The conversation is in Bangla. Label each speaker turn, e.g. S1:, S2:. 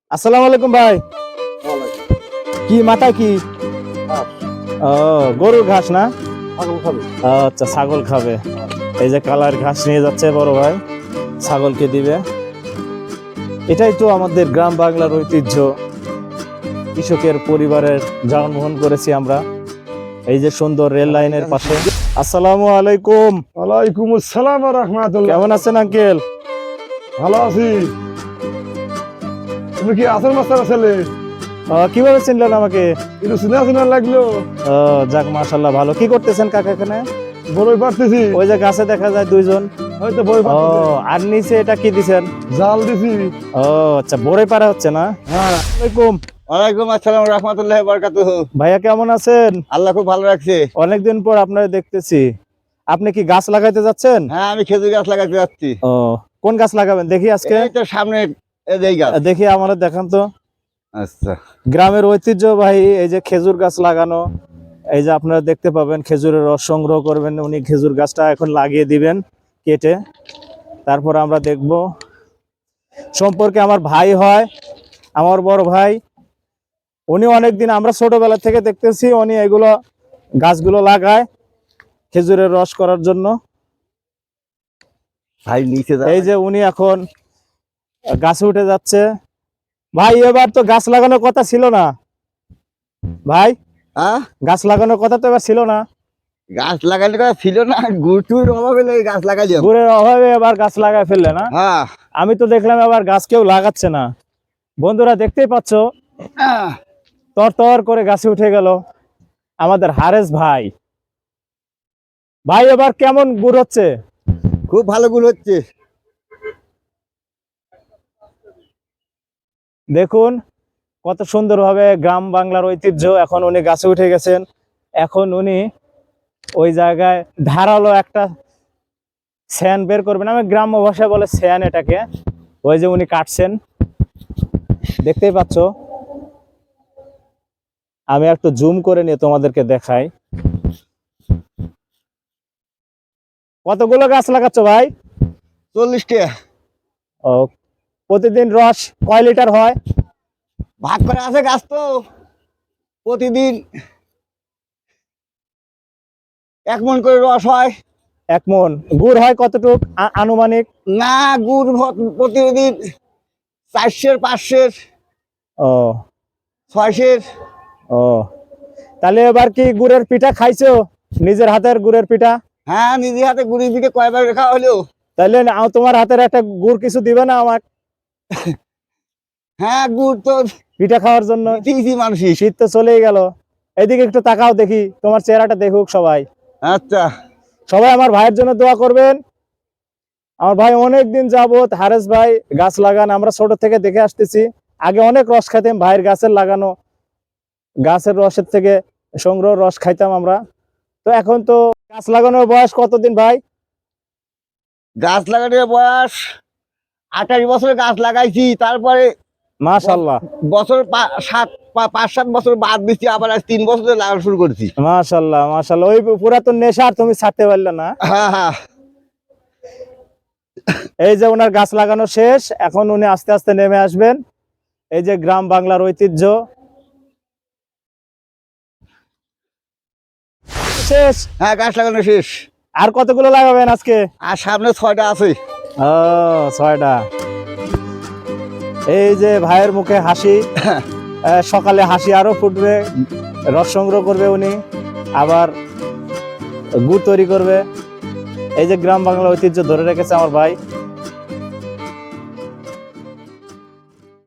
S1: আসসালামু আলাইকুম ভাই। কি মাথা কি? ও, গরুর ঘাস না? আচ্ছা, ছাগল খাবে। এই যে কালার ঘাস নিয়ে যাচ্ছে বড় ভাই, ছাগলকে দিবে। এটাই তো আমাদের গ্রাম বাংলার ঐতিহ্য। কৃষকের পরিবারের জন্মগ্রহণ করেছি আমরা এই যে সুন্দর রেল লাইনের পাশে। আসসালামু আলাইকুম।
S2: ওয়ালাইকুম আসসালাম ওয়া রাহমাতুল্লাহ।
S1: কেমন আছেন আঙ্কেল?
S2: ভালো আছি। তুমি কি আসল মাস্টার ছেলে?
S1: কিভাবে চিনলেন আমাকে?
S2: একটু চিনা চিনা লাগলো।
S1: যাক, মাশাআল্লাহ। ভালো। কি করতেছেন কাকা এখানে?
S2: বড়ই পারতেছি।
S1: ওই যে গাছে দেখা যায় দুইজন।
S2: হয়তো বড়ই
S1: ও,
S2: পারতেছি।
S1: আর নিচে এটা কি দিছেন?
S2: জাল দিছি।
S1: ও আচ্ছা, বড়ই পারা হচ্ছে না?
S2: হ্যাঁ।
S1: আসসালামাইকুম।
S3: ওয়ালাইকুম আসসালাম রাহমাতুল্লাহি ওয়া বারাকাতুহু।
S1: ভাইয়া কেমন আছেন?
S3: আল্লাহ খুব ভালো রাখছে।
S1: অনেকদিন পর আপনারা দেখতেছি। আপনি কি গাছ লাগাইতে যাচ্ছেন?
S3: হ্যাঁ, আমি খেজুর গাছ লাগাতে যাচ্ছি।
S1: ও, কোন গাছ লাগাবেন দেখি আজকে?
S3: এই তো সামনে এই গাছ।
S1: দেখি আমাদের দেখান তো।
S3: আচ্ছা,
S1: গ্রামের ঐতিহ্য ভাই, এই যে খেজুর গাছ লাগানো। এই যে আপনারা দেখতে পাবেন, খেজুরের রস সংগ্রহ করবেন। উনি খেজুর গাছটা এখন লাগিয়ে দিবেন কেটে। তারপর আমরা দেখব। সম্পর্কে আমার ভাই হয়, আমার বড় ভাই। উনি অনেকদিন, আমরা ছোটবেলা থেকে দেখতেছি উনি এগুলো গাছগুলো লাগায় খেজুরের রস করার জন্য।
S3: ভাই নিচে যা।
S1: এই যে উনি এখন গাছে উঠে যাচ্ছে। ভাই, এবার তো গাছ লাগানোর কথা ছিল না ভাই?
S3: হ্যাঁ,
S1: গাছ লাগানোর কথা তো এবার ছিল না।
S3: গাছ লাগানোর কথা ছিল না, গুটুর অভাবে এই গাছ লাগাইলাম।
S1: গুড়ের অভাবে এবার গাছ লাগায় ফেললে না?
S3: হ্যাঁ।
S1: আমি তো দেখলাম এবার গাছ কেউ লাগাচ্ছে না। বন্ধুরা দেখতেই পাচ্ছ, তর তর করে গাছে উঠে গেল আমাদের হারেস ভাই। ভাই, এবার কেমন গুড় হচ্ছে?
S3: খুব ভালো গুণ হচ্ছে।
S1: দেখুন কত সুন্দরভাবে গ্রাম বাংলার ঐতিহ্য। এখন উনি গাছে উঠে গেছেন। এখন উনি ওই জায়গায় ধারালো একটা স্যান বের করবেন। আমি গ্রাম্য ভাষায় বলে স্যান এটাকে। ওই যে উনি কাটছেন, দেখতেই পাচ্ছ। আমি একটু জুম করে নিয়ে তোমাদেরকে দেখাই। কতগুলো গাছ লাগাচ্ছ ভাই?
S3: 40টা।
S1: ও, প্রতিদিন রস কয় লিটার হয়?
S3: ভাগ করে আছে গাছ তো, প্রতিদিন 1 মণ করে রস হয়।
S1: 1 মণ। গুড় হয় কতটুক আনুমানিক?
S3: না, গুড় প্রতিদিন 400, 500,
S1: ও
S3: 600।
S1: ও, তাহলে এবার কি গুড়ের পিঠা খাইছো? নিজের হাতের গুড়ের পিঠা?
S3: হ্যাঁ, নিজে হাতে গুড়ির দিকে কয়বার রেখা হলো।
S1: তাহলে তোমার হাতের একটা গুড় কিছু দিবে না আমার?
S3: হ্যাঁ, গুড় তো
S1: পিঠা খাওয়ার জন্য।
S3: দিয়েছি মানুষই।
S1: শীত তো চলেই গেল। এদিকে একটু তাকাও দেখি, তোমার চেহারাটা দেখুক সবাই।
S3: আচ্ছা।
S1: সবাই আমার ভাইয়ের জন্য দোয়া করবেন। আমার ভাই অনেকদিন যাবত, হারেস ভাই গাছ লাগান, আমরা ছোট থেকে দেখে আসতেছি। আগে অনেক রস খাইতাম ভাইয়ের গাছের লাগানো, গাছের রসের থেকে সংগ্রহ রস খাইতাম আমরা। তো এখন তো গাছ লাগানোর বয়স কতদিন ভাই?
S3: গাছ লাগানোর বয়স 28 বছরে গাছ লাগাইছি। তারপরে
S1: মাশাআল্লাহ
S3: বছর 5-7 বছর বাদ দিচ্ছি, আবার আজ 3 বছরে লাগানো শুরু করছি।
S1: মাশাআল্লাহ মাশাআল্লাহ। ওই পুরাতন নেশা আর তুমি ছাড়তে পারলে না।
S3: হ্যাঁ হ্যাঁ।
S1: এই যে ওনার গাছ লাগানো শেষ, এখন উনি আস্তে আস্তে নেমে আসবেন। এই যে গ্রাম বাংলার ঐতিহ্য শেষ।
S3: হ্যাঁ, গাছ লাগানো শেষ।
S1: আর কতগুলো লাগাবেন আজকে?
S3: আর সামনে 6টা আছে।
S1: ও, 6টা। এই যে ভাইয়ের মুখে হাসি। সকালে হাসি আরো ফুটবে। রস সংগ্রহ করবে উনি, আবার গুড় তৈরি করবে। এই যে গ্রাম বাংলার ঐতিহ্য ধরে রেখেছে আমার ভাই।